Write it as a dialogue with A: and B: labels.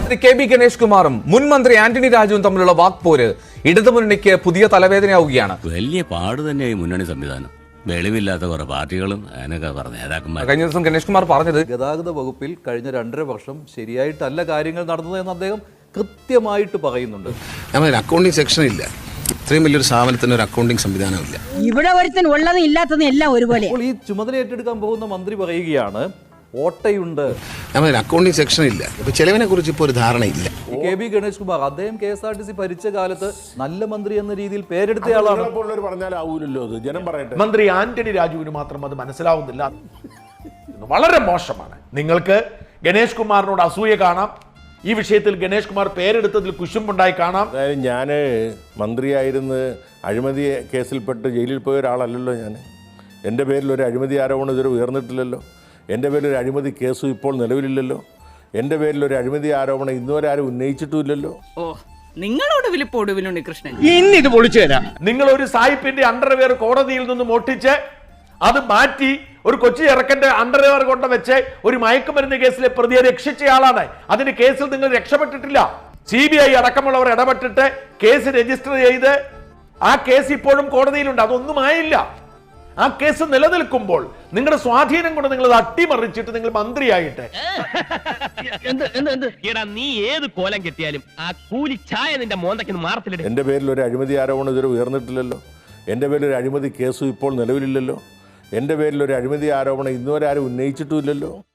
A: KB. Ganesh കുമാറും മുൻ മന്ത്രി ആന്റണി രാജുവും തമ്മിലുള്ള വാക്പോര് ഇടതുമുന്നണിക്ക് പുതിയ തലവേദനയാവുകയാണ്.
B: വലിയ പാട് തന്നെയായി മുന്നണി സംവിധാനം. വെളിവില്ലാത്ത കുറെ പാർട്ടികളും അതിനൊക്കെ പറഞ്ഞ നേതാക്കന്മാർ.
A: കഴിഞ്ഞ ദിവസം ഗണേഷ് കുമാർ പറഞ്ഞത്
C: ഗതാഗത വകുപ്പിൽ കഴിഞ്ഞ 2.5 വർഷം ശരിയായിട്ടല്ല കാര്യങ്ങൾ നടന്നത് എന്ന് അദ്ദേഹം കൃത്യമായിട്ട് പറയുന്നുണ്ട്.
D: അക്കൗണ്ടിംഗ് സെക്ഷൻ ഇല്ല, ഇത്രയും വലിയൊരു സ്ഥാപനത്തിന് ഒരു അക്കൗണ്ടിംഗ് സംവിധാനമില്ല.
E: ഇവിടെ ഒരുത്തൻ ഉള്ളതും ഇല്ലാത്തതും എല്ലാം ഒരുപോലെ.
C: അപ്പോൾ ഈ ചുമതല ഏറ്റെടുക്കാൻ പോകുന്ന മന്ത്രി പറയുകയാണ് ഓട്ടയുണ്ട്,
D: അക്കൗണ്ടിംഗ് സെക്ഷൻ ഇല്ല. ഇപ്പൊ ചെലവിനെ കുറിച്ച് ഇപ്പോൾ ഒരു ധാരണയില്ല.
C: കെ.ബി. ഗണേഷ് കുമാർ അദ്ദേഹം KSRTC ഭരിച്ച കാലത്ത് നല്ല മന്ത്രി എന്ന രീതിയിൽ പേരെടുത്തയാളാണ്.
F: മന്ത്രി ആന്റണി രാജുവിന് മാത്രം അത് മനസ്സിലാവുന്നില്ല. വളരെ മോശമാണ്. നിങ്ങൾക്ക് ഗണേഷ് കുമാറിനോട് അസൂയ കാണാം. ഈ വിഷയത്തിൽ ഗണേഷ് കുമാർ പേരെടുത്തതിൽ കുശുമ്പുണ്ടായി കാണാം.
G: അതായത് ഞാൻ മന്ത്രിയായിരുന്ന് അഴിമതി കേസിൽപ്പെട്ട് ജയിലിൽ പോയ ഒരാളല്ലല്ലോ. എൻ്റെ പേരിൽ ഒരു അഴിമതി ആരോപണം ഇതുവരെ ഉയർന്നിട്ടില്ലല്ലോ. എൻ്റെ പേരിൽ ഒരു അഴിമതി കേസും ഇപ്പോൾ നിലവിലില്ലല്ലോ. എൻ്റെ പേരിൽ ഒരു അഴിമതി ആരോപണം ഇന്നുവരെ ആരും ഉന്നയിച്ചിട്ടുമില്ലല്ലോ.
H: നിങ്ങളോട് വിളിപ്പോടുവിലുണ്ട് കൃഷ്ണൻ.
F: ഇനി ഇത് പൊളിച്ചു തരാം. നിങ്ങൾ ഒരു സായിപ്പിന്റെ അണ്ടർവെയർ കോടതിയിൽ നിന്നും ഒട്ടിച്ച് അത് മാറ്റി ഒരു കൊച്ചി ഇറക്കന്റെ അണ്ടർവെയർ കൊണ്ട് വെച്ച് ഒരു മയക്കുമരുന്ന് കേസിലെ പ്രതിയെ രക്ഷിച്ചയാളാണ്. അതിന്റെ കേസിൽ നിങ്ങൾ രക്ഷപ്പെട്ടിട്ടില്ല. CBI അടക്കമുള്ളവർ ഇടപെട്ടിട്ട് കേസ് രജിസ്റ്റർ ചെയ്ത് ആ കേസ് ഇപ്പോഴും കോടതിയിലുണ്ട്. അതൊന്നും ആയില്ല. ആ കേസ് നിലനിൽക്കുമ്പോൾ നിങ്ങളുടെ സ്വാധീനം കൊണ്ട് നിങ്ങൾ അത് അട്ടിമറിച്ചിട്ട് നിങ്ങൾ മന്ത്രിയായിട്ട്
I: നീ ഏത് കോലം കെട്ടിയാലും ആ കൂലി ചായ നിന്റെ മോന്തയ്ക്ക് മാറത്തില്ല.
G: എൻ്റെ പേരിൽ ഒരു അഴിമതി ആരോപണം ഇതുവരെ ഉയർന്നിട്ടില്ലല്ലോ. എൻ്റെ പേരിൽ ഒരു അഴിമതി കേസും ഇപ്പോൾ നിലവിലില്ലല്ലോ. എൻ്റെ പേരിൽ ഒരു അഴിമതി ആരോപണം ഇന്നുവരെ ആരും ഉന്നയിച്ചിട്ടുമില്ലല്ലോ.